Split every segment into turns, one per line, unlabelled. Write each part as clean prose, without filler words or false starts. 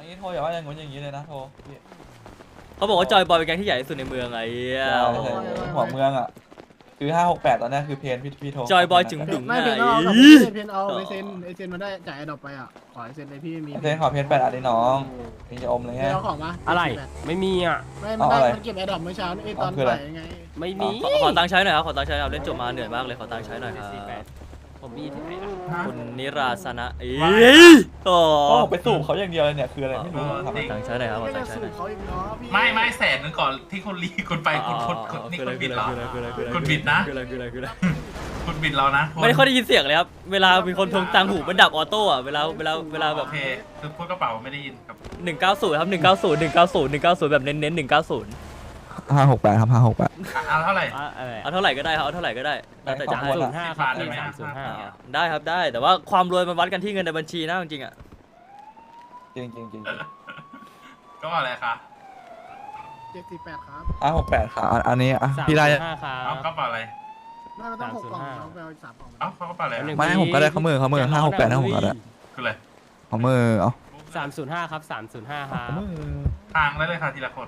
นี้โทรอย่าว่าอย่างงู้นอย่างนี้เลยนะโทรพี่
เขาบอกว่าจอยบอยเป็นแก๊งที่ใหญ่ที่สุดในเมืองไอ้เหี้ย
หัวเมืองอ่ะคือ568ตอนนี้คือเพนพี่โทร
จอยบอยจึงดึง
ไม่เพน
ไง
เอากับเพนเอาไอเซนมาได้จ่ายไอดอปไปอ่ะขอไอเซนเลยพี่มี
เพนขอเพน8อันนี้น้องพี่จะอมเลย
เพ
ไง
นเอาของมา
อะไรไม่มีอ่ะ
ไม่มันได้มันเก็บไอดอปเมื่อเช้าไอตอนบ่ายไง
ไม่มี
ขอตังค์ใช้หน่อยครับขอตังค์ใช้ครับเล่นจบมาเหนื่อยมากเลยขอตังค์ใช้หน่อยครับ
ผมมีที่ไหนล่ะ
คุณนิราสนะโอ้
โอ้ไปสูบเขาอย่างเดียวเลยเนี่ยคืออะไรไม่รู้ครับ
ขอตังค์ใช้หน่อยครับขอ
ไม่
ตั
ได้
งค์ใช้ห
สู
น่อย
บเขาอีกเนาะพี่
ไม่แสนนึงก่อนที่คุณรีคุณไปคุณนี่คุณบิดเหรอคุณบิดนะ
คืออะไรคืออะไรคืออะไร
คุณบิดเรานะ
ไม่ได้ค่อยได้ยินเสียงเลยครับเวลามีคนทวงตังค์หูมันดับออโต้อะเวลาแบ
โอบ เคคือพูดกระเป๋าไม่ได้ยินครับ
190ครับ190แบบเน้นๆ190
568ครับ568
เอาเท่าไหร่
อะไร
เอาเท่าไหร่ก็ได้ครับเอาเท่าไหร่ก็ได้แล้วแต่จะ
ข
ให้
อบคุณ
05
10
ครับ
ได้ไหม
305
ได้ครับได้แต่ว่าความรวยมันวัดกันที่เงินในบัญชีนะจริงๆอ่ะ
จริง
ก็อะไรคะ
748ครับ
568ครับอันนี้อ่ะพี่ได้
305ครั
เอา
บ
กระเป๋าอะไร
ไม่มันต้อง6กล่องเราไปเอาอีก3กล่อง
เอาเขากระเป๋าอะไร
ไม่ให้ผมก็ได้เขามือ568นะผมก็ได้
คืออะไร
เขามือเอา
305ครับ305ครับ
ทางแล้วเลยค่ะทีละคน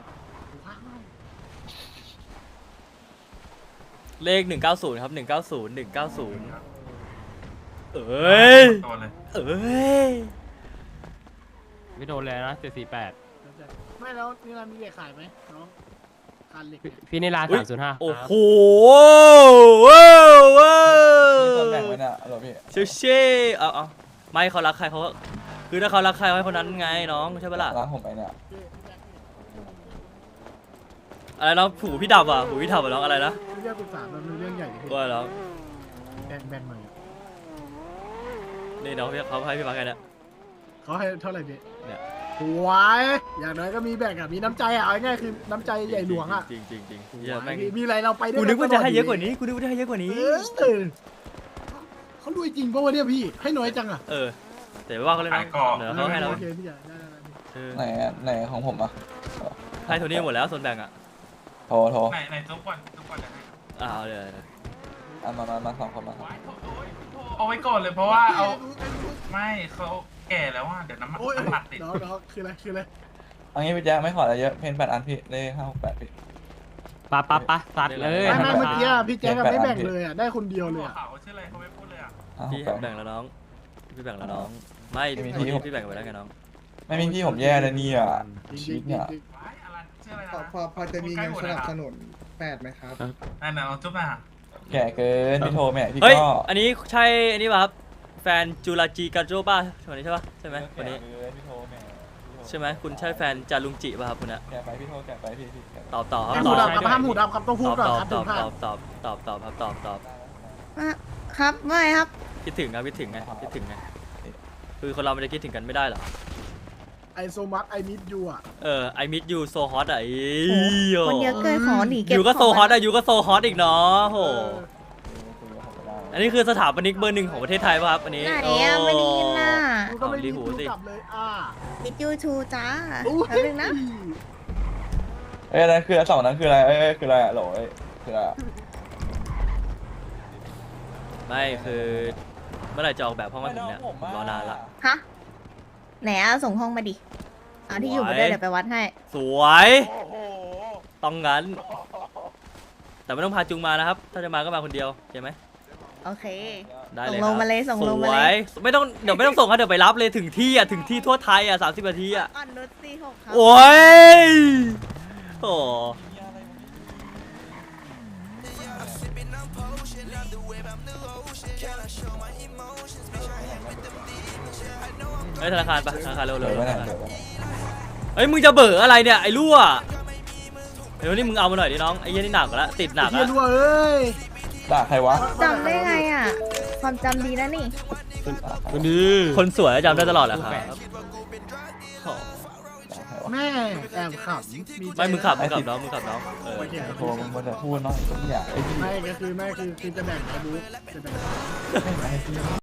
เลข190ครับ190เอ้ย
ตัวเลย
เอ้ย
ไม่โดนเลยนะ748
ไม่แล้วนี่เรามีเหล็กขายไหมน้องคานเหล็ก
พี่นิลา305
โอ้โห
มีส่วนแบ่งไว้เนี่ยเหรอพี่
เชี่ยเชี่ยเอาไม่เขารักใครเขาคือถ้าเขารักใครเขาให้คนนั้นไงน้องใช่ปะล่ะ
ร้านผมไปเนี่ย
อะไรน้องผูพี่ดับอ่ะผูพี่ดับอ่ะน้องอะไรนะ
เรื่องปรึกษามันเป็นเรื่องใหญ่เลยพี่
ว่าแล้ว
แบ่งหน่อย
นี่น้องพี่เขาให้พี่มาแค่นี้
เขาให้เท่าไหร่พี่
เนี่ย
หวยอย่างน้อยก็มีแบ่งอ่ะมีน้ำใจอ่ะเอาง่ายๆคือน้ำใจใหญ่หลวงอ่ะ
จริงจริงจริง
หวยมีอะไรเราไปได้
กูนึกว่าจะให้เยอะกว่านี้กูนึกว่าจะให้เยอะกว่านี้
เขารวยจริงปะวะเนี่ยพี่ให้น้อยจังอ่ะ
แต่ว่าเขาเลยนะเดี๋ยวเขาให้เรา
โอเคพี่ใหญ่ได้
ไหนของผมอ่ะ
ให้โทนี่หมดแล้วส่วนแบ่งอ่ะ
โทร
ในทุกวันจะให้
เอาเลย
มา2คนมา
เอาไว้ก่อนเลยเพราะว่าเอาไม่เขาแก่แล้วอ่ะเดี๋ยวน้ำมันติด
น้องคืออะไร
เอางี้พี่แจ๊คไม่ขออะไรเยอะเพน8อันพี่เลข568พี่
ปะสัตว์เลย
ไม่เมื่อกี้พี่แจ๊คไม่แบ่งเลยอ่ะได้คนเดียวเลยอ่ะ
เขาชื่ออะไรเขาไม่พูดเลยอ่ะ
พี่แบ่งแล้วน้องพี่แบ่งแล้วน้องไม่พี่แบ่งไปแล้วไงน้อง
ไม่มีพี่ผมแย่เลยเนี่ย
จริ
ชีวิต
ง
เนี่ย
อะไรชื่ออะไร
พอจะมีเงินสนับสนุน8ไหมครับ
นั่นน่ะจุ๊บน่ะ
แก่เกินพี่โทรแม่พี่
เฮ้ย
ก็
อันนี้ใช่อันนี้ป่ะครับแฟนจูราจีการโจป่ะคนนี้ใช่ป่ะใช่ไหมคนนี้
พี่โทรแม่
ใช่ไหมคุณใช่แฟนจารุงจิป่ะครับคุณอะ
แก่ไปพี่โทรแก่ไปพี่
ตอบต่อครับ
ห้าม
ต
หู
อบ
ดับกับห้ามหูดับครับต้องพูดก่อนครับ
ต
ถึ
อบ
งพลาด
ตอบ
ครับไม่ครับ
คิดถึงครับคิดถึงไงคิดถึงไงคือคนเรามันจะคิดถึงกันไม่ได้หรอ
ไอโซมัสไอมิดยูอ่ะ
I miss you so hot อ่ะ
คนเยอะเกินขอหนีเก็บ
อยู่ก็โซ
ของ
ฮอตอ่ะอยู่ก็โซฮอตอีกเนาะโห
คุยกับผมก็ได้
อันนี้คือสถาปนิกเบอร์ 1ของประเทศไทยป่ะครับอันนี้
ไหนอะไม่ได้ยินน่ะ
กูก็ไม่
รี
รี
หู
หู
สิ
กลับเลย
มิดยูทูจ้าแป๊บนึงนะ
นั่นคือ2นั้นคืออะไรคืออะไรโหลคืออะไร
ไม่คือเมื่อไหร่จะออกแบบห้องให้ผมเนี่ยรอนานละ
ฮะไหนอะส่งห้องมาดิเอาที่อยู่มาด้วยเดี๋ยวไปวัดให้
สวยต้องงั้น แต่ไม่ต้องพาจุงมานะครับ ถ้าจะมาก็มาคนเดียวใช่ไหม
โอเค
ได้
ส่
เลย
งลงมาเลยส่งลงมา
ส
เล
วย ยไม่ต้องเดี๋ยวไม่ต้องส่งครับเดี๋ยวไปรับเลยถึงที่อ่ะถึงที่ทั่วไทยอ่ะ30 นาทีอ่ะ
อ่อนนุช46ครับ
โอ้ยโอ้เฮ้ยธนาคารปะธนาคารเร็ว
เหลือไว้ไหนเหลือไว้
เฮ้ยมึงจะเบออะไรเนี่ยไอ้รั่วเดี๋ยวนี่มึงเอามาหน่อยดิน้องไอ้เหี้ยนี่หนักแล้วติดหนัก
เฮีย
แล้ว
รัวเอ้ย
ด่าใครวะ
จำได้ไงอะความจำดีนะนี่
คนดี
คนสวยจำได้ตลอดแหละครับโอ้
แม่แอบขำ
ไม่มึงขับน้อง
โทรมึงมันจะพูดน้อยอย่างไอ้พี่
ไม่ก็คือจะแบ่งไอ้บุ๊กจะแบ่ง